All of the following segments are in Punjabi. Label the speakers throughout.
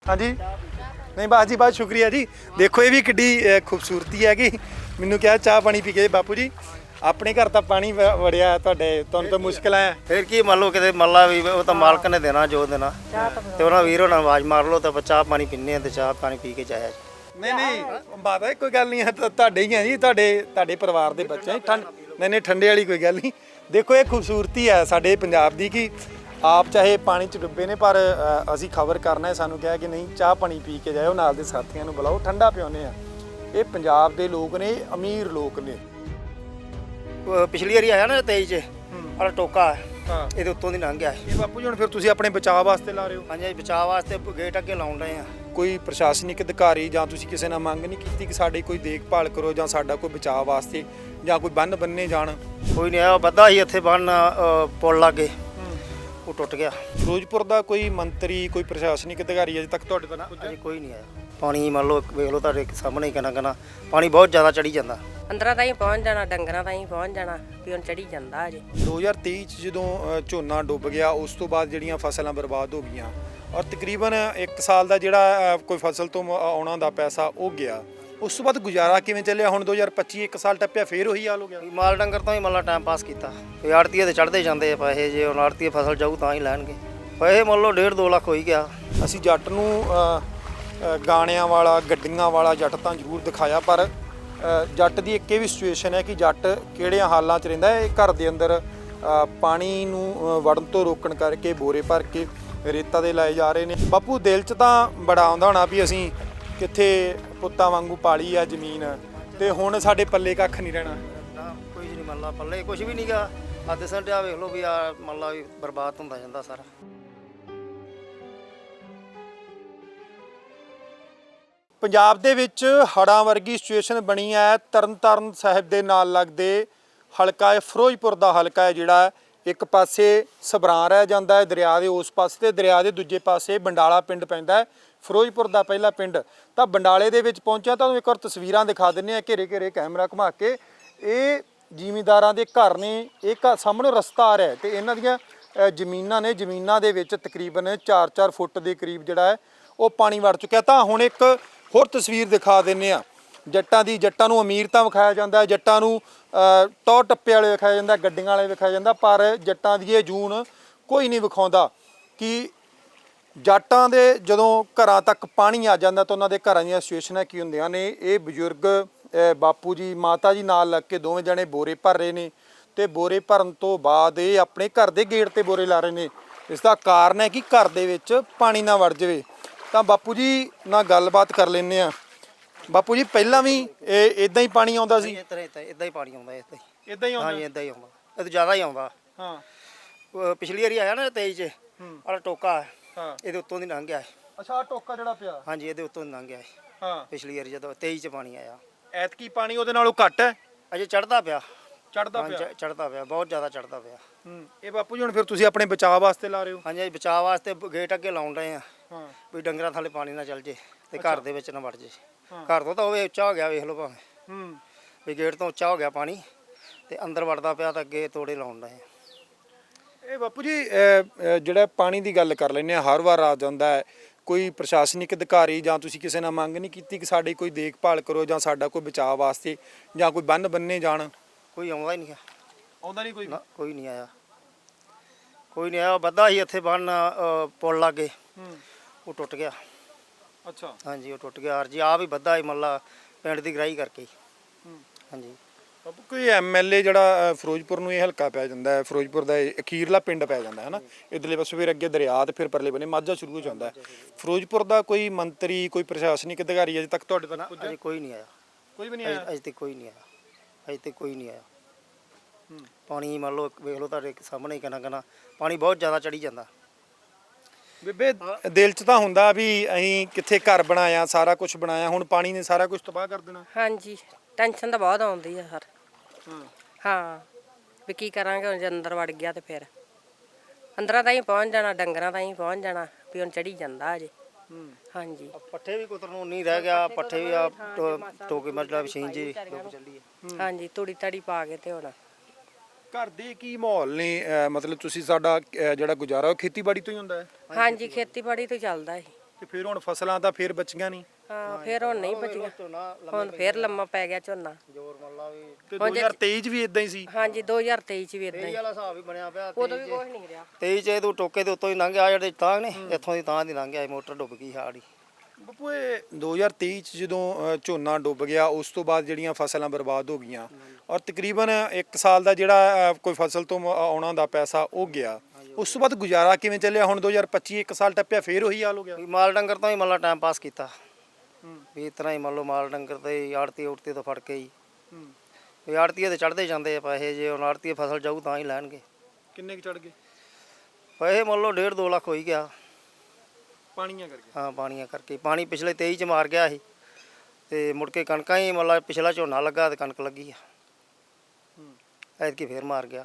Speaker 1: हाँ जी नहीं बात जी बहुत शुक्रिया जी। देखो ये भी किड्डी खूबसूरती है कि मैनू क्या चाह पानी पी के बापू जी अपने घर तो पानी वड़िया तुहाडे तुहानू तो मुश्किल है
Speaker 2: फिर की मान लो कि मल्ला भी वो तो मालक ने देना जो देना तो उन्होंने वीर होना आवाज़ मार लो तो चाह पानी पीने तो चाह पानी पी के जाया जी।
Speaker 1: नहीं नहीं बात है कोई गल नहीं है तुहाडे ही है जी तुहाडे परिवार के बच्चे ठंड नहीं ठंडे वाली कोई गल नहीं। देखो ये खूबसूरती है साडे पंजाब दी कि आप चाहे पानी च डुੱਬੇ ने पर ਅਸੀਂ खबर करना है सानू कहा कि नहीं चाह पानी पी के जाओ नाल दे साथियों ਨੂੰ बुलाओ ठंडा पिआउने आ। ये पंजाब ਦੇ लोग ने अमीर लोग ने।
Speaker 2: पिछली वारी आया ना 23 च और टोका
Speaker 1: हाँ
Speaker 2: ये उत्तों ਦੀ ਲੰਘ ਗਿਆ
Speaker 1: ਇਹ ਬਾਪੂ ਜੀ ਹੁਣ ਫਿਰ ਤੁਸੀਂ ਆਪਣੇ ਬਚਾਅ ਵਾਸਤੇ ਲਾ ਰਹੇ ਹੋ।
Speaker 2: ਹਾਂਜੀ ਬਚਾਅ ਵਾਸਤੇ ਗੇਟ ਅੱਗੇ ਲਾਉਣ ਰਹੇ ਆ।
Speaker 1: ਕੋਈ ਪ੍ਰਸ਼ਾਸਨਿਕ ਅਧਿਕਾਰੀ ਜਾਂ ਤੁਸੀਂ ਕਿਸੇ ਨਾਲ ਮੰਗ ਨਹੀਂ ਕੀਤੀ ਕਿ ਸਾਡੀ ਕੋਈ ਦੇਖਭਾਲ ਕਰੋ ਜਾਂ ਸਾਡਾ ਕੋਈ ਬਚਾਅ ਵਾਸਤੇ ਜਾਂ ਕੋਈ ਬੰਨ ਬੰਨੇ ਜਾਣ?
Speaker 2: ਕੋਈ ਨਹੀਂ ਆਇਆ ਬੱਦਾ ਹੀ ਇੱਥੇ ਬੰਨ ਪੁਲ ਲਾਗੇ ਉਹ ਟੁੱਟ ਗਿਆ।
Speaker 1: ਫਿਰੋਜ਼ਪੁਰ ਦਾ ਕੋਈ ਮੰਤਰੀ ਕੋਈ ਪ੍ਰਸ਼ਾਸਨਿਕ ਅਧਿਕਾਰੀ ਅਜੇ ਤੱਕ ਤੁਹਾਡੇ ਤੱਕ
Speaker 2: ਅਜੇ ਕੋਈ ਨਹੀਂ ਆਇਆ। ਪਾਣੀ ਮੰਨ ਲਓ ਵੇਖ ਲਓ ਤੁਹਾਡੇ ਸਾਹਮਣੇ ਹੀ ਕਿੰਨਾ ਪਾਣੀ ਬਹੁਤ ਜ਼ਿਆਦਾ ਚੜੀ ਜਾਂਦਾ।
Speaker 3: ਅੰਦਰਾਂ ਤਾਈਂ ਪਹੁੰਚ ਜਾਣਾ ਡੰਗਰਾਂ ਤਾਈਂ ਪਹੁੰਚ ਜਾਣਾ ਵੀ ਹੁਣ ਚੜੀ ਜਾਂਦਾ ਅਜੇ।
Speaker 1: 2023 ਚ ਜਦੋਂ ਝੋਨਾ ਡੁੱਬ ਗਿਆ ਉਸ ਤੋਂ ਬਾਅਦ ਜਿਹੜੀਆਂ ਫਸਲਾਂ ਬਰਬਾਦ ਹੋ ਗਈਆਂ ਔਰ ਤਕਰੀਬਨ 1 ਸਾਲ ਦਾ ਜਿਹੜਾ ਕੋਈ ਫਸਲ ਤੋਂ ਆਉਣਾ ਦਾ ਪੈਸਾ ਉਹ ਗਿਆ। ਉਸ ਤੋਂ ਬਾਅਦ ਗੁਜ਼ਾਰਾ ਕਿਵੇਂ ਚੱਲਿਆ? ਹੁਣ 2025 1 ਸਾਲ ਟੱਪਿਆ ਫੇਰ ਉਹੀ ਹਾਲ ਹੋ ਗਿਆ।
Speaker 2: ਮਾਲ ਡੰਗਰ ਤੋਂ ਹੀ ਮੱਲਾ ਟਾਈਮ ਪਾਸ ਕੀਤਾ। ਆੜਤੀਏ ਤੇ ਚੜ੍ਹਦੇ ਜਾਂਦੇ ਆ ਪੈਸੇ ਜੇ ਹੁਣ ਆੜਤੀਏ ਫਸਲ ਜਾਊ ਤਾਂ ਹੀ ਲੈਣਗੇ ਪੈਸੇ ਮੰਨ ਲਓ 1.5-2 ਲੱਖ ਹੋ ਹੀ ਗਿਆ।
Speaker 1: ਅਸੀਂ ਜੱਟ ਨੂੰ ਗਾਣਿਆਂ ਵਾਲਾ ਗੱਡੀਆਂ ਵਾਲਾ ਜੱਟ ਤਾਂ ਜ਼ਰੂਰ ਦਿਖਾਇਆ ਪਰ ਜੱਟ ਦੀ ਇੱਕ ਇਹ ਵੀ ਸਿਚੁਏਸ਼ਨ ਹੈ ਕਿ ਜੱਟ ਕਿਹੜਿਆਂ ਹਾਲਾਂ 'ਚ ਰਹਿੰਦਾ ਹੈ। ਘਰ ਦੇ ਅੰਦਰ ਪਾਣੀ ਨੂੰ ਵੜਨ ਤੋਂ ਰੋਕਣ ਕਰਕੇ ਬੋਰੇ ਭਰ ਕੇ ਰੇਤਾ ਦੇ ਲਾਏ ਜਾ ਰਹੇ ਨੇ। ਬਾਪੂ ਦਿਲ 'ਚ ਤਾਂ ਬੜਾ ਆਉਂਦਾ ਹੋਣਾ ਵੀ ਅਸੀਂ ਕਿੱਥੇ ਪੁੱਤਾਂ ਵਾਂਗੂ ਪਾਲੀ ਆ ਜ਼ਮੀਨ ਤੇ ਹੁਣ ਸਾਡੇ ਪੱਲੇ ਕੱਖ ਨਹੀਂ ਰਹਿਣਾ।
Speaker 2: ਕੋਈ ਨਹੀਂ ਮੰਨ ਲਾ ਪੱਲੇ ਕੁਝ ਵੀ ਨਹੀਂਗਾ। ਅੱਧ ਸੰਡਿਆ ਵੇਖ ਲਓ ਵੀ ਆ ਮੰਨ ਲਾ ਵੀ ਬਰਬਾਦ ਹੁੰਦਾ ਜਾਂਦਾ ਸਾਰਾ।
Speaker 1: ਪੰਜਾਬ ਦੇ ਵਿੱਚ ਹੜ੍ਹਾਂ ਵਰਗੀ ਸਿਚੁਏਸ਼ਨ ਬਣੀ ਹੈ। ਤਰਨਤਾਰਨ ਸਾਹਿਬ ਦੇ ਨਾਲ ਲੱਗਦੇ ਹਲਕਾ ਹੈ ਫਿਰੋਜ਼ਪੁਰ ਦਾ ਹਲਕਾ ਹੈ ਜਿਹੜਾ ਇੱਕ ਪਾਸੇ ਸਬਰਾਂ ਰਹਿ ਜਾਂਦਾ ਹੈ ਦਰਿਆ ਦੇ ਉਸ ਪਾਸੇ ਤੇ ਦਰਿਆ ਦੇ ਦੂਜੇ ਪਾਸੇ ਬੰਡਾਲਾ ਪਿੰਡ ਪੈਂਦਾ ਹੈ ਫਿਰੋਜ਼ਪੁਰ ਦਾ ਪਹਿਲਾ ਪਿੰਡ। ਤਾਂ ਬੰਡਾਲੇ ਦੇ ਵਿੱਚ ਪਹੁੰਚਿਆ ਤੁਹਾਨੂੰ ਇੱਕ ਵਾਰ ਤਸਵੀਰਾਂ ਦਿਖਾ ਦਿੰਦੇ ਆ ਘੇਰੇ ਘੇਰੇ ਕੈਮਰਾ ਘੁਮਾ ਕੇ। ਇਹ ਜ਼ਿਮੀਂਦਾਰਾਂ ਦੇ ਘਰ ਨੇ। ਇਹ ਸਾਹਮਣੇ ਰਸਤਾ ਆ ਰਿਹਾ ਤੇ ਇਹਨਾਂ ਦੀਆਂ ਜ਼ਮੀਨਾਂ ਨੇ। ਜ਼ਮੀਨਾਂ ਦੇ ਵਿੱਚ ਤਕਰੀਬਨ 4-4 ਫੁੱਟ ਦੇ ਕਰੀਬ ਜਿਹੜਾ ਹੈ ਉਹ ਪਾਣੀ ਵੜ ਚੁੱਕਿਆ। ਤਾਂ ਹੁਣ ਇੱਕ ਹੋਰ ਤਸਵੀਰ ਦਿਖਾ ਦਿੰਦੇ ਆ ਜੱਟਾਂ ਦੀ। ਜੱਟਾਂ ਨੂੰ ਅਮੀਰ ਤਾਂ ਵਿਖਾਇਆ ਜਾਂਦਾ, ਜੱਟਾਂ ਨੂੰ ਟੌਰ ਟੱਪੇ ਵਾਲੇ ਵਿਖਾਇਆ ਜਾਂਦਾ, ਗੱਡੀਆਂ ਵਾਲੇ ਵਿਖਾਇਆ ਜਾਂਦਾ, ਪਰ ਜੱਟਾਂ ਦੀ ਇਹ ਜੂਨ ਕੋਈ ਨਹੀਂ ਵਿਖਾਉਂਦਾ ਕਿ ਜੱਟਾਂ ਦੇ ਜਦੋਂ ਘਰਾਂ ਤੱਕ ਪਾਣੀ ਆ ਜਾਂਦਾ ਤਾਂ ਉਹਨਾਂ ਦੇ ਘਰਾਂ ਦੀਆਂ ਸਿਚੁਏਸ਼ਨਾਂ ਕੀ ਹੁੰਦੀਆਂ ਨੇ। ਇਹ ਬਜ਼ੁਰਗ ਬਾਪੂ ਜੀ ਮਾਤਾ ਜੀ ਨਾਲ ਲੱਗ ਕੇ ਦੋਵੇਂ ਜਣੇ ਬੋਰੇ ਭਰ ਰਹੇ ਨੇ ਤੇ ਬੋਰੇ ਭਰਨ ਤੋਂ ਬਾਅਦ ਇਹ ਆਪਣੇ ਘਰ ਦੇ ਗੇਟ ਤੇ ਬੋਰੇ ਲਾ ਰਹੇ ਨੇ। ਇਸ ਦਾ ਕਾਰਨ ਹੈ ਕਿ ਘਰ ਦੇ ਵਿੱਚ ਪਾਣੀ ਨਾ ਵੜ ਜਾਵੇ। ਤਾਂ ਬਾਪੂ ਜੀ ਨਾਲ ਗੱਲਬਾਤ ਕਰ ਲੈਂਦੇ ਆ। ਬਾਪੂ ਜੀ ਪਹਿਲਾਂ ਵੀ ਇਦਾਂ ਹੀ ਪਾਣੀ ਆਉਂਦਾ ਸੀ?
Speaker 2: ਇਦਾਂ ਹੀ ਪਾਣੀ ਆਉਂਦਾ
Speaker 1: ਇਦਾਂ ਹੀ ਆਉਂਦਾ?
Speaker 2: ਹਾਂਜੀ ਇਦਾਂ ਹੀ ਆਉਂਦਾ। ਇਹ ਤਾਂ ਜ਼ਿਆਦਾ ਹੀ ਆਉਂਦਾ।
Speaker 1: ਹਾਂ
Speaker 2: ਪਿਛਲੀ ਵਾਰੀ ਆਇਆ ਨਾ 23 ਚ ਔਰ ਟੋਕਾ
Speaker 1: ਹਾਂ
Speaker 2: ਇਹਦੇ ਉੱਤੋਂ ਦੀ ਲੰਘ ਗਿਆ।
Speaker 1: ਅੱਛਾ ਆ ਟੋਕਾ ਜਿਹੜਾ ਪਿਆ?
Speaker 2: ਹਾਂਜੀ ਇਹਦੇ ਉੱਤੋਂ ਦੀ ਲੰਘ ਗਿਆ।
Speaker 1: ਹਾਂ
Speaker 2: ਪਿਛਲੀ ਵਾਰੀ ਜਦੋਂ 23 ਚ ਪਾਣੀ ਆਇਆ।
Speaker 1: ਐਤਕੀ ਪਾਣੀ ਉਹਦੇ ਨਾਲੋਂ ਘੱਟ ਹੈ?
Speaker 2: ਅਜੇ ਚੜਦਾ ਪਿਆ।
Speaker 1: ਚੜਦਾ ਪਿਆ?
Speaker 2: ਚੜਦਾ ਪਿਆ ਬਹੁਤ ਜ਼ਿਆਦਾ ਚੜਦਾ ਪਿਆ।
Speaker 1: ਇਹ ਬਾਪੂ ਜੀ ਹੁਣ ਫਿਰ ਤੁਸੀਂ ਆਪਣੇ ਬਚਾਅ ਵਾਸਤੇ ਲਾ ਰਹੇ ਹੋ?
Speaker 2: ਹਾਂਜੀ ਬਚਾਅ ਵਾਸਤੇ ਗੇਟ ਅੱਗੇ ਲਾਉਣ ਰਹੇ ਆ
Speaker 1: ਹਾਂ
Speaker 2: ਵੀ ਡੰਗਰਾਂ ਥੱਲੇ ਪਾਣੀ ਨਾ ਚੱਲ ਜੇ ਤੇ ਘਰ ਦੇ ਵਿੱਚ ਨਾ ਵੜ ਜੇ। ਘਰ ਤੋਂ ਤਾਂ ਉਹ ਉੱਚਾ ਹੋ ਗਿਆ ਵੇਖ ਲਓ ਭਾਵੇਂ ਵੀ ਗੇਟ ਤੋਂ ਉੱਚਾ ਹੋ ਗਿਆ ਪਾਣੀ ਤੇ ਅੰਦਰ ਵੜਦਾ ਪਿਆ ਤਾਂ ਅੱਗੇ ਤੋੜੇ ਲਾਉਣ ਰਹੇ ਆ।
Speaker 1: ਇਹ ਬਾਪੂ ਜੀ ਜਿਹੜਾ ਪਾਣੀ ਦੀ ਗੱਲ ਕਰ ਲੈਂਦੇ ਆ ਹਰ ਵਾਰ ਆ ਜਾਂਦਾ ਹੈ। ਕੋਈ ਪ੍ਰਸ਼ਾਸਨਿਕ ਅਧਿਕਾਰੀ ਜਾਂ ਤੁਸੀਂ ਕਿਸੇ ਨਾਲ ਮੰਗ ਨਹੀਂ ਕੀਤੀ ਕਿ ਸਾਡੀ ਕੋਈ ਦੇਖਭਾਲ ਕਰੋ ਜਾਂ ਸਾਡਾ ਕੋਈ ਬਚਾਅ ਵਾਸਤੇ ਜਾਂ ਕੋਈ ਬੰਨ ਬੰਨੇ ਜਾਣ?
Speaker 2: ਕੋਈ ਆਉਂਦਾ ਹੀ ਨਹੀਂ।
Speaker 1: ਆਉਂਦਾ ਨਹੀਂ ਕੋਈ?
Speaker 2: ਕੋਈ ਨਹੀਂ ਆਇਆ। ਕੋਈ ਨਹੀਂ ਆਇਆ। ਬੱਦਾ ਹੀ ਇੱਥੇ ਬੰਨ ਪੁਲ ਲਾਗੇ ਉਹ ਟੁੱਟ ਗਿਆ।
Speaker 1: ਅੱਛਾ
Speaker 2: ਹਾਂਜੀ ਉਹ ਟੁੱਟ ਗਿਆ। ਅਰਜੀ ਆ ਵੀ ਬੱਦਾ ਹੀ ਮੱਲਾ ਪਿੰਡ ਦੀ ਗਰਾਈ ਕਰਕੇ। ਹਾਂਜੀ
Speaker 1: ਬਾਪੂ ਕੋਈ ਐਮਐਲਏ ਜਿਹੜਾ ਫਿਰੋਜ਼ਪੁਰ ਨੂੰ ਇਹ ਹਲਕਾ ਪੈ ਜਾਂਦਾ ਹੈ ਫਿਰੋਜ਼ਪੁਰ ਦਾ ਅਖੀਰਲਾ ਪਿੰਡ ਪੈ ਜਾਂਦਾ ਹੈ ਨਾ ਇਧਰਲੇ ਪਾਸੇ ਫਿਰ ਅੱਗੇ ਦਰਿਆ ਤੇ ਫਿਰ ਪਰਲੇ ਬੰਨੇ ਮਾਝਾ ਸ਼ੁਰੂ ਹੋ ਜਾਂਦਾ ਹੈ। ਫਿਰੋਜ਼ਪੁਰ ਦਾ ਕੋਈ ਮੰਤਰੀ ਕੋਈ ਪ੍ਰਸ਼ਾਸਨਿਕ ਅਧਿਕਾਰੀ ਅਜੇ ਤੱਕ ਤੁਹਾਡੇ ਤੱਕ
Speaker 2: ਅਜੇ ਕੋਈ ਨਹੀਂ ਆਇਆ।
Speaker 1: ਕੋਈ ਵੀ ਨਹੀਂ ਆਇਆ?
Speaker 2: ਅਜੇ ਤੱਕ ਕੋਈ ਨਹੀਂ ਆਇਆ। ਅਜੇ ਤੱਕ ਕੋਈ ਨਹੀਂ ਆਇਆ। ਪਾਣੀ ਮੰਨ ਲਓ ਵੇਖ ਲਓ ਤੁਹਾਡੇ ਸਾਹਮਣੇ ਹੀ ਕਿੰਨਾ ਪਾਣੀ ਬਹੁਤ ਜ਼ਿਆਦਾ ਚੜੀ ਜਾਂਦਾ।
Speaker 1: ਬੇਬੇ ਦਿਲ 'ਚ ਤਾਂ ਹੁੰਦਾ ਵੀ ਅਸੀਂ ਕਿੱਥੇ ਘਰ ਬਣਾਇਆ ਸਾਰਾ ਕੁਝ ਬਣਾਇਆ ਹੁਣ ਪਾਣੀ ਨੇ ਸਾਰਾ ਕੁਝ ਤਬਾਹ ਕਰ ਦੇਣਾ।
Speaker 3: ਹਾਂਜੀ ਟੈਨਸ਼ਨ ਤਾਂ ਬਹੁਤ ਆਉਂਦੀ ਆ ਸਰ। ਹਾਂ ਵੀ ਕੀ ਕਰਾਂਗੇ ਹੁਣ ਜੇ ਅੰਦਰ ਵੜ ਗਿਆ ਤੇ ਫਿਰ ਅੰਦਰਾਂ ਤਾਈਂ ਪਹੁੰਚ ਜਾਣਾ ਡੰਗਰਾਂ ਤਾਈਂ ਪਹੁੰਚ ਜਾਣਾ ਵੀ ਹੁਣ ਚੜੀ ਜਾਂਦਾ ਅਜੇ। ਹਾਂਜੀ
Speaker 2: ਪੱਠੇ ਵੀ ਕੁਤਰ ਨੂੰ ਨਹੀਂ ਰਹਿ ਗਿਆ। ਪੱਠੇ ਵੀ ਆ ਟੋਕੇ ਮਤਲਬ ਮਸ਼ੀਨ ਜੀ ਚੱਲੀ ਹੈ।
Speaker 3: ਹਾਂਜੀ ਤੂੜੀ ਤਾੜੀ ਪਾ ਕੇ ਤੇ ਹੁਣ
Speaker 1: ਘਰ ਦੇ ਕੀ ਮਾਹੌਲ ਨੇ? ਮਤਲਬ ਤੁਸੀਂ ਸਾਡਾ ਜਿਹੜਾ ਗੁਜ਼ਾਰਾ ਉਹ ਖੇਤੀਬਾੜੀ ਤੋਂ ਹੀ ਹੁੰਦਾ ਹੈ?
Speaker 3: ਹਾਂਜੀ ਖੇਤੀਬਾੜੀ ਤੋਂ ਚੱਲਦਾ ਹੈ।
Speaker 1: ਤੇ ਫਿਰ ਹੁਣ ਫਸਲਾਂ ਤਾਂ ਫਿਰ ਬਚੀਆਂ ਨਹੀਂ
Speaker 3: ਹਾਂ ਫਿਰ ਹੁਣ ਨਹੀਂ ਬਚੀਆਂ, ਹੁਣ ਫਿਰ ਲੰਮਾ ਪੈ ਗਿਆ ਝੋਨਾ।
Speaker 2: ਜੋਰ ਮੱਲਾ ਵੀ
Speaker 1: ਤੇ 2023 ਚ ਵੀ ਇਦਾਂ ਹੀ ਸੀ।
Speaker 3: ਹਾਂਜੀ 2023 ਚ ਵੀ ਇਦਾਂ ਹੀ,
Speaker 2: ਵਾਲਾ ਹਿਸਾਬ ਹੀ ਬਣਿਆ ਪਿਆ।
Speaker 3: ਉਦੋਂ ਵੀ ਕੁਝ ਨਹੀਂ ਰਿਹਾ।
Speaker 2: 23 ਚ ਤੂੰ ਟੋਕੇ ਦੇ ਉੱਤੋਂ ਹੀ ਲੰਘ ਗਿਆ, ਜਿਹੜੇ ਤਾਂ ਨੇ ਇੱਥੋਂ ਦੀ ਤਾਂ ਦੀ ਲੰਘ ਗਿਆ, ਮੋਟਰ ਡੁੱਬ ਗਈ ਹਾੜੀ।
Speaker 1: ਬੱਪੂ ਇਹ 2023 ਚ ਜਦੋਂ ਝੋਨਾ ਡੁੱਬ ਗਿਆ ਉਸ ਤੋਂ ਬਾਅਦ ਜਿਹੜੀਆਂ ਫਸਲਾਂ ਬਰਬਾਦ ਹੋ ਗਈਆਂ ਔਰ ਤਕਰੀਬਨ 1 ਸਾਲ ਦਾ ਜਿਹੜਾ ਕੋਈ ਫਸਲ ਤੋਂ ਆਉਣਾ ਦਾ ਪੈਸਾ ਉਹ ਗਿਆ, ਉਸ ਤੋਂ ਬਾਅਦ ਗੁਜ਼ਾਰਾ ਕਿਵੇਂ ਚੱਲਿਆ? ਹੁਣ 2025 1 ਸਾਲ ਟੱਪਿਆ ਫੇਰ ਉਹੀ ਹਾਲ ਹੋ ਗਿਆ।
Speaker 2: ਵੀ ਮਾਲ ਡੰਗਰ ਤੋਂ ਹੀ ਮੱਲਾ ਟਾਈਮ ਪਾਸ ਕੀਤਾ ਵੀ ਇਸ ਤਰ੍ਹਾਂ ਹੀ ਮੰਨ ਲਓ, ਮਾਲ ਡੰਗਰ ਤੇ ਆੜਤੀ ਉੜਤੀ ਤੋਂ ਫੜ ਕੇ ਹੀ ਵੀ ਆੜਤੀਏ ਤੇ ਚੜ੍ਹਦੇ ਜਾਂਦੇ ਆ ਪੈਸੇ, ਜੇ ਹੁਣ ਆੜਤੀਏ ਫਸਲ ਜਾਊ ਤਾਂ ਹੀ ਲੈਣਗੇ।
Speaker 1: ਕਿੰਨੇ ਕੁ ਚੜ ਗਏ
Speaker 2: ਪੈਸੇ ਮੰਨ ਲਓ 1.5-2 ਲੱਖ ਹੋ ਹੀ ਗਿਆ
Speaker 1: ਪਾਣੀਆਂ ਕਰਕੇ?
Speaker 2: ਹਾਂ ਪਾਣੀਆਂ ਕਰਕੇ। ਪਾਣੀ ਪਿਛਲੇ 23 ਚ ਮਾਰ ਗਿਆ ਸੀ ਤੇ ਮੁੜ ਕੇ ਕਣਕਾਂ ਹੀ ਮੰਨ ਲਾ ਪਿਛਲਾ ਝੋਨਾ ਲੱਗਾ ਤੇ ਕਣਕ ਲੱਗੀ ਆ, ਐਤਕੀ ਫੇਰ ਮਾਰ ਗਿਆ।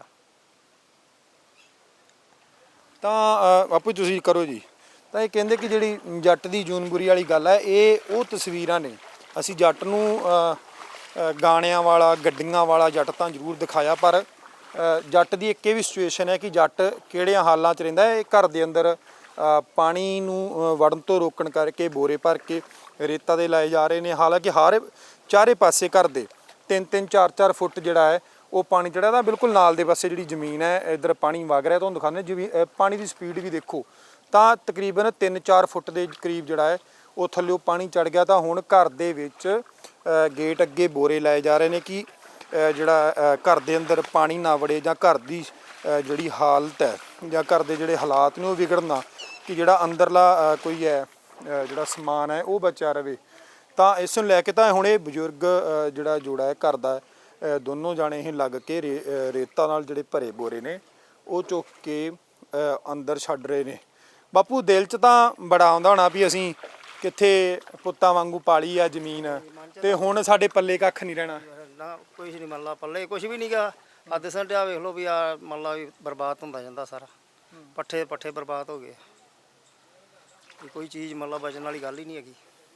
Speaker 1: ਤਾਂ ਬਾਪੂ ਤੁਸੀਂ ਕਰੋ ਜੀ। ਤਾਂ ਇਹ ਕਹਿੰਦੇ ਕਿ ਜਿਹੜੀ ਜੱਟ ਦੀ ਜੂਨਬੁਰੀ ਵਾਲੀ ਗੱਲ ਹੈ, ਇਹ ਉਹ ਤਸਵੀਰਾਂ ਨੇ। ਅਸੀਂ ਜੱਟ ਨੂੰ ਗਾਣਿਆਂ ਵਾਲਾ ਗੱਡੀਆਂ ਵਾਲਾ ਜੱਟ ਤਾਂ ਜ਼ਰੂਰ ਦਿਖਾਇਆ, ਪਰ ਜੱਟ ਦੀ ਇੱਕ ਇਹ ਵੀ ਸਿਚੁਏਸ਼ਨ ਹੈ ਕਿ ਜੱਟ ਕਿਹੜਿਆਂ ਹਾਲਾਂ 'ਚ ਰਹਿੰਦਾ ਹੈ। ਘਰ ਦੇ ਅੰਦਰ ਪਾਣੀ ਨੂੰ ਵੜਨ ਤੋਂ ਰੋਕਣ ਕਰਕੇ ਬੋਰੇ ਭਰ ਕੇ ਰੇਤਾ ਦੇ ਲਾਏ ਜਾ ਰਹੇ ਨੇ। ਹਾਲਾਂਕਿ ਚਾਰੇ ਪਾਸੇ ਘਰ ਦੇ 3-3 4-4 ਫੁੱਟ ਜਿਹੜਾ ਹੈ ਉਹ ਪਾਣੀ ਚੜਿਆ ਤਾਂ ਬਿਲਕੁਲ ਨਾਲ ਦੇ ਪਾਸੇ ਜਿਹੜੀ ਜ਼ਮੀਨ ਹੈ ਇੱਧਰ ਪਾਣੀ ਵਗ ਰਿਹਾ। ਤੁਹਾਨੂੰ ਦਿਖਾਉਂਦੇ ਜਿਵੇਂ ਪਾਣੀ ਦੀ ਸਪੀਡ ਵੀ ਦੇਖੋ ਤਾਂ ਤਕਰੀਬਨ 3-4 ਫੁੱਟ ਦੇ ਕਰੀਬ ਜਿਹੜਾ ਹੈ ਉਹ ਥੱਲੇ ਪਾਣੀ ਚੜ ਗਿਆ। ਤਾਂ ਹੁਣ ਘਰ ਦੇ ਵਿੱਚ ਗੇਟ ਅੱਗੇ ਬੋਰੇ ਲਾਏ ਜਾ ਰਹੇ ਨੇ ਕਿ ਜਿਹੜਾ ਘਰ ਦੇ ਅੰਦਰ ਪਾਣੀ ਨਾ ਵੜੇ ਜਾਂ ਘਰ ਦੀ ਜਿਹੜੀ ਹਾਲਤ ਹੈ ਜਾਂ ਘਰ ਦੇ ਜਿਹੜੇ ਹਾਲਾਤ ਨੇ ਉਹ ਵਿਗੜਨਾ, ਕਿ ਜਿਹੜਾ ਅੰਦਰਲਾ ਕੋਈ ਹੈ ਜਿਹੜਾ ਸਮਾਨ ਹੈ ਉਹ ਬਚਿਆ ਰਵੇ। ਤਾਂ ਇਸ ਨੂੰ ਲੈ ਕੇ ਤਾਂ ਹੁਣ ਇਹ ਬਜ਼ੁਰਗ ਜਿਹੜਾ ਜੋੜਾ ਹੈ ਘਰ ਦਾ, ਦੋਨੋਂ ਜਾਣੇ ਇਹ ਲੱਗ ਕੇ ਰੇਤਾ ਨਾਲ ਜਿਹੜੇ ਭਰੇ ਬੋਰੇ ਨੇ ਉਹ ਚੁੱਕ ਕੇ ਅੰਦਰ ਛੱਡ ਰਹੇ ਨੇ। ਬਾਪੂ ਦਿਲ 'ਚ ਤਾਂ ਬੜਾ ਆਉਂਦਾ ਹੋਣਾ ਵੀ ਅਸੀਂ ਕਿੱਥੇ ਪੁੱਤਾਂ ਵਾਂਗੂ ਪਾਲੀ ਆ ਜ਼ਮੀਨ ਤੇ ਹੁਣ ਸਾਡੇ ਪੱਲੇ ਕੱਖ ਨਹੀਂ ਰਹਿਣਾ।
Speaker 2: ਨਾ ਕੁਛ ਨਹੀਂ ਮੰਨ ਲਾ ਪੱਲੇ, ਕੁਛ ਵੀ ਨਹੀਂ ਗਾ। ਆ ਦਿਸਣ ਡਿਆ ਵੇਖ ਲਓ ਵੀ ਆ ਮੰਨ ਲਾ ਵੀ ਬਰਬਾਦ ਹੁੰਦਾ ਜਾਂਦਾ ਸਾਰਾ, ਪੱਠੇ ਬਰਬਾਦ ਹੋ ਗਏ। ਕੋਈ ਚੀਜ਼ ਮੰਨ ਲਾ ਬਚਣ ਵਾਲੀ ਗੱਲ ਹੀ ਨਹੀਂ ਹੈਗੀ।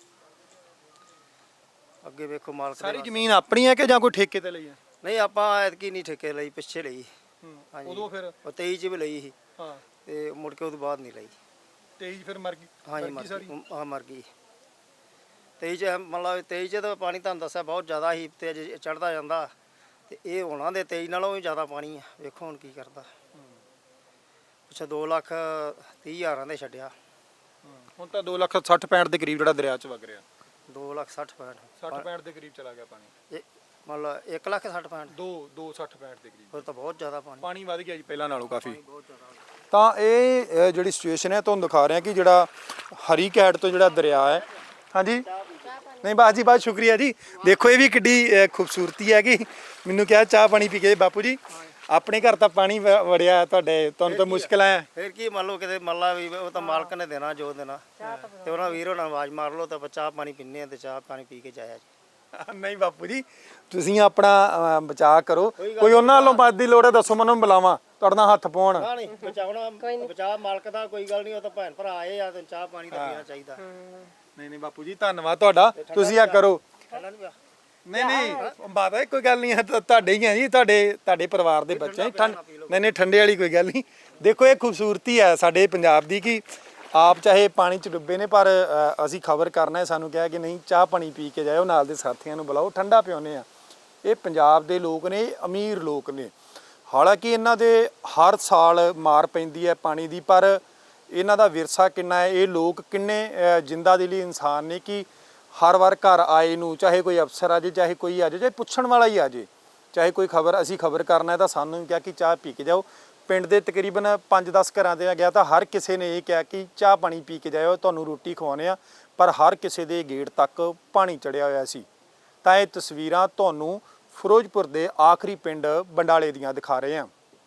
Speaker 2: ਅੱਗੇ ਵੇਖੋ ਮਾਲਕ
Speaker 1: ਸਾਰੀ ਜ਼ਮੀਨ ਆਪਣੀ ਹੈ ਕਿ ਜਾਂ ਕੋਈ ਠੇਕੇ ਤੇ ਲਈ ਹੈ?
Speaker 2: ਨਹੀਂ ਆਪਾਂ ਐਤਕੀ ਨਹੀਂ ਠੇਕੇ ਲਈ, ਪਿੱਛੇ ਲਈ। ਹਾਂਜੀ
Speaker 1: ਉਦੋਂ ਫਿਰ
Speaker 2: ਉਹ 23 ਚ ਵੀ ਲਈ ਸੀ
Speaker 1: ਹਾਂ
Speaker 2: ਤੇ ਮੁੜ ਕੇ ਉਹਦੇ ਬਾਅਦ ਨਹੀਂ ਲਈ।
Speaker 1: 23 ਫਿਰ ਮਰ ਗਈ?
Speaker 2: ਹਾਂਜੀ ਮਰ ਗਈ, ਹਾਂ ਮਰ ਗਈ। 23 ਚ ਮੰਨ ਲਾ 23 ਚ ਤਾਂ ਪਾਣੀ ਤੁਹਾਨੂੰ ਦੱਸਿਆ ਬਹੁਤ ਜ਼ਿਆਦਾ ਸੀ ਤੇ ਅਜੇ ਚੜ੍ਹਦਾ ਜਾਂਦਾ, ਤੇ ਇਹ ਹੋਣਾ ਦੇ 23 ਨਾਲੋਂ ਵੀ ਜ਼ਿਆਦਾ ਪਾਣੀ ਆ। ਵੇਖੋ ਹੁਣ ਕੀ ਕਰਦਾ। ਪਿੱਛੇ 2,30,000 ਦੇ ਛੱਡਿਆ,
Speaker 1: ਹੁਣ ਤਾਂ 2,60,65 ਦੇ ਕਰੀਬ ਜਿਹੜਾ ਦਰਿਆ 'ਚ ਵਗ ਰਿਹਾ।
Speaker 2: 2,60,65
Speaker 1: 60-65 ਦੇ ਕਰੀਬ ਚਲਾ ਗਿਆ ਪਾਣੀ।
Speaker 2: ਇਹ ਮੰਨ ਲਾ 1,60,65
Speaker 1: 2,60,65 ਦੇ ਕਰੀਬ
Speaker 2: ਫਿਰ ਤਾਂ ਬਹੁਤ ਜ਼ਿਆਦਾ
Speaker 1: ਪਾਣੀ ਵੱਧ ਗਿਆ ਜੀ ਪਹਿਲਾਂ ਨਾਲੋਂ ਕਾਫੀ।
Speaker 2: ਬਹੁਤ ਜ਼ਿਆਦਾ।
Speaker 1: ਤਾਂ ਇਹ ਜਿਹੜੀ ਸਿਚੁਏਸ਼ਨ ਹੈ ਤੁਹਾਨੂੰ ਦਿਖਾ ਰਿਹਾ ਕਿ ਜਿਹੜਾ ਹਰੀ ਕੈਟ ਤੋਂ ਜਿਹੜਾ ਦਰਿਆ ਹੈ। ਹਾਂਜੀ ਨਹੀਂ ਬਾਸ ਜੀ, ਬਹੁਤ ਸ਼ੁਕਰੀਆ ਜੀ। ਦੇਖੋ ਇਹ ਵੀ ਕਿੱਡੀ ਖੂਬਸੂਰਤੀ ਹੈ ਕਿ ਮੈਨੂੰ ਕਿਹਾ ਚਾਹ ਪਾਣੀ ਪੀ ਕੇ। ਬਾਪੂ ਜੀ ਆਪਣੇ ਘਰ ਤਾਂ ਪਾਣੀ ਵੜਿਆ, ਤੁਹਾਨੂੰ ਤਾਂ ਮੁਸ਼ਕਿਲ ਹੈ।
Speaker 2: ਫਿਰ ਕੀ ਮੰਨ ਲਓ ਕਿਤੇ ਮੰਨ ਲਾ ਵੀ ਉਹ ਤਾਂ ਮਾਲਕ ਨੇ ਦੇਣਾ ਜੋ ਦੇਣਾ, ਤੇ ਉਹਨਾਂ ਵੀਰ ਹੋਣਾ ਆਵਾਜ਼ ਮਾਰ ਲਓ ਤਾਂ ਆਪਾਂ ਚਾਹ ਪਾਣੀ ਪੀਂਦੇ ਆ ਤੇ ਚਾਹ ਪਾਣੀ ਪੀ ਕੇ ਜਾਇਆ ਜੀ।
Speaker 1: ਨਹੀਂ ਬਾਪੂ ਜੀ ਤੁਸੀਂ ਆਪਣਾ ਬਚਾਅ ਕਰੋ, ਕੋਈ ਉਹਨਾਂ ਵੱਲੋਂ ਮਦਦ ਦੀ ਲੋੜ ਹੈ ਦੱਸੋ, ਮੈਨੂੰ ਬੁਲਾਵਾਂ ਤੁਹਾਡੇ ਨਾਲ ਹੱਥ ਪਾਉਣ।
Speaker 2: ਨਹੀਂ ਬਚਾਉਣਾ ਬਚਾਅ ਮਾਲਕ ਦਾ, ਕੋਈ ਗੱਲ ਨਹੀਂ। ਉਹ ਤਾਂ ਭੈਣ ਭਰਾ ਆਏ ਆ ਤੇ ਚਾਹ ਪਾਣੀ ਤਾਂ ਪੀਣਾ ਚਾਹੀਦਾ।
Speaker 1: ਨਹੀਂ ਬਾਪੂ ਜੀ ਧੰਨਵਾਦ ਤੁਹਾਡਾ, ਤੁਸੀਂ ਆ ਕਰੋ। ਨਹੀਂ ਬਾਤ ਹੈ, ਕੋਈ ਗੱਲ ਨਹੀਂ ਹੈ, ਤੁਹਾਡੇ ਹੀ ਆ ਜੀ, ਤੁਹਾਡੇ ਪਰਿਵਾਰ ਦੇ ਬੱਚੇ। ਨਹੀਂ ਠੰਡੇ ਵਾਲੀ ਕੋਈ ਗੱਲ ਨਹੀਂ। ਦੇਖੋ ਇਹ ਖੂਬਸੂਰਤੀ ਹੈ ਸਾਡੇ ਪੰਜਾਬ ਦੀ ਕਿ ਆਪ ਚਾਹੇ ਪਾਣੀ 'ਚ ਡੁੱਬੇ ਨੇ ਪਰ ਅਸੀਂ ਖਬਰ ਕਰਨਾ ਹੈ, ਸਾਨੂੰ ਕਿਹਾ ਕਿ ਨਹੀਂ ਚਾਹ ਪਾਣੀ ਪੀ ਕੇ ਜਾਇਓ, ਨਾਲ ਦੇ ਸਾਥੀਆਂ ਨੂੰ ਬੁਲਾਓ, ਠੰਡਾ ਪਿਆਉਂਦੇ ਆ। ਇਹ ਪੰਜਾਬ ਦੇ ਲੋਕ ਨੇ, ਅਮੀਰ ਲੋਕ ਨੇ। ਹਾਲਾਂਕਿ ਇਹਨਾਂ ਦੇ ਹਰ ਸਾਲ ਮਾਰ ਪੈਂਦੀ ਹੈ ਪਾਣੀ ਦੀ, ਪਰ ਇਹਨਾਂ ਦਾ ਵਿਰਸਾ ਕਿੰਨਾ ਹੈ, ਇਹ ਲੋਕ ਕਿੰਨੇ ਜਿੰਦਾ ਦਿਲੀ ਇਨਸਾਨ ਨੇ ਕਿ ਹਰ ਵਾਰ ਘਰ ਆਏ ਨੂੰ ਚਾਹੇ ਕੋਈ ਅਫਸਰ ਆ ਜਾਏ, ਚਾਹੇ ਕੋਈ ਆ ਜਾਏ, ਚਾਹੇ ਪੁੱਛਣ ਵਾਲਾ ਹੀ ਆ ਜਾਏ, ਚਾਹੇ ਕੋਈ ਅਸੀਂ ਖਬਰ ਕਰਨਾ ਹੈ ਤਾਂ ਸਾਨੂੰ ਕਿਹਾ ਕਿ ਚਾਹ ਪੀ ਕੇ ਜਾਓ। ਪਿੰਡ ਦੇ ਤਕਰੀਬਨ 5-10 ਘਰਾਂ ਦੇ ਗਿਆ ਤਾਂ ਹਰ ਕਿਸੇ ਨੇ ਇਹ ਕਿਹਾ ਕਿ ਚਾਹ ਪਾਣੀ ਪੀ ਕੇ ਜਾਇਓ, ਤੁਹਾਨੂੰ ਰੋਟੀ ਖਵਾਉਂਦੇ ਆ, ਪਰ ਹਰ ਕਿਸੇ ਦੇ ਗੇਟ ਤੱਕ ਪਾਣੀ ਚੜਿਆ ਹੋਇਆ ਸੀ। ਤਾਂ ਇਹ ਤਸਵੀਰਾਂ ਤੁਹਾਨੂੰ ਫਿਰੋਜ਼ਪੁਰ ਦੇ ਆਖਰੀ ਪਿੰਡ ਬੰਡਾਲੇ ਦੀਆਂ ਦਿਖਾ ਰਹੇ ਹਾਂ।